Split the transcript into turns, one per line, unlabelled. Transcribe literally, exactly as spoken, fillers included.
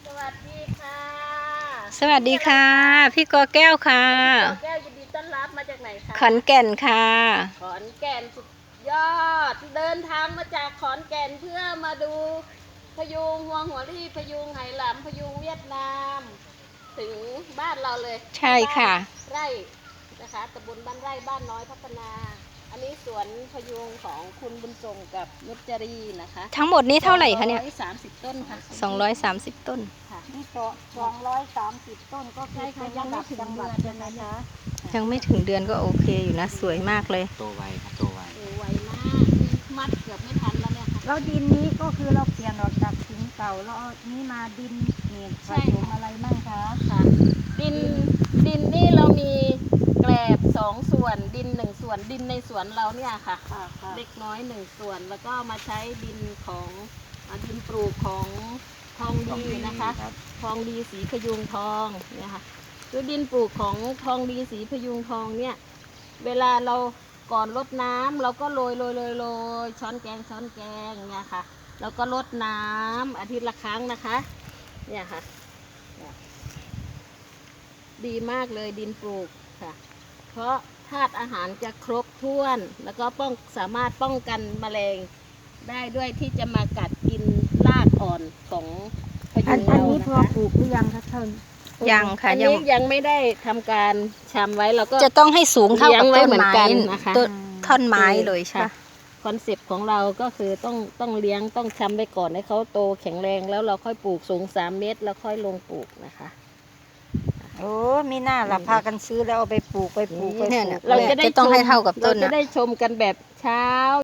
สวัสดีค่ะ
สวัสดีค่ะ พี่กอแก้วค่ะ
ขอแก้วยินดีต้อนรับมาจากไหนคะ
ขอนแก่นค่ะ
ขอนแก่นสุดยอด เดินทางมาจากขอนแก่นเพื่อมาดูพยุงหัวหัวรี่พยุงไหหลำพยุงเวียดนาม ถึงบ้านเราเลย
ใช่ค่ะ
ไร่นะคะตำบลบ้านไร่บ้านน้อยพัฒนา อันนี้สวนพยุงของคุณบุญทรงกับนุชจรีนะคะ
ทั้งหมดนี้เท่าไหร่คะเนี่ย
สองร้อยสามสิบต้นค่ะ
สองร้อยสามสิบต้น
ค่ะ
นี่สองร้อยสามสิบต้นก็คื
ใช่
อ
ค่ะ
เป็น
ยั
ระ
งไม่
ดับ
ถึง
จังหวัด
เดื
ใช่
อน
ไหม
นะคะ
คะ
ยังไม่ถึงเดือนก็โอเคอยู่นะ สวยมากเลย
โตไวครับโตไว
โอ้ไวมากมัดเกือบไม่ทันแล้วเนี่ยค่ะ
แล้วดินนี้ก็คือเราเปลี่ยนออกจากถุงเก่าแล้วเอานี้มาดินเนี่ยผ
ใช่
สมอะไรบ้างคะ
ค่ะ ดินดินนี่เรามีแกลบสองส่วนดินหนึ่งส่วนดินในสวนเราเนี่ยค่ะ
ค่ะค่ะ
เล็กน้อยหนึ่งส่วนแล้วก็มาใช้ดินของอ่าดินปลูกของทองดีนะคะ
รับ
ทองดีสีพยุงทองเนี่ยค่ะคือดินปลูกของทองดีสีพยุงทองเนี่ย เวลาเราก่อนรดน้ำเราก็โรยโรยโรยโรยช้อนแกงช้อนแกงเนี่ยค่ะแล้วก็รดน้ำอาทิตย์ละครั้งนะคะ เนี่ยค่ะเนี่ยดีมากเลยดินปลูกค่ะ เพราะธาตุอาหารจะครบถ้วน แล้วก็ป้องสามารถป้องกันแมลงได้ด้วยที่จะมากัดกินรากอ่อนของพ
อั
ยุ
น
ง
อัน
เรา
นี้
นะ
พอ
คะ
ปลูกหรือยังคะท่าน
ยังค่ะ
อัน
ยัง
นี้ยังไม่ได้ทำการชำไว้เราก็
จะต้องให้สูงเท่ากับ
เลี้ยงไว้
ต้น
เหมือน
ไม้
กันนะคะ
ต้นท่อนไม้เลยใช่
ค่ะ
ปะ
คอนเซปต์ของเราก็คือต้องต้องเลี้ยงต้องชำไปก่อนให้เขาโตแข็งแรงแล้วเราค่อยปลูกสูงสามเมตรแล้วค่อยลงปลูกนะคะ
โอ้มีหน้าละพากันซื้อแล้วเอาไปปลูกไปปลูกไปป
เนี่ย
ลู
เนี่ย
ก
เราจะได้
จะต้อง
ชม
ให้เท่ากับต้น
เราจะ
นะ
ได้ชมกันแบบเช้า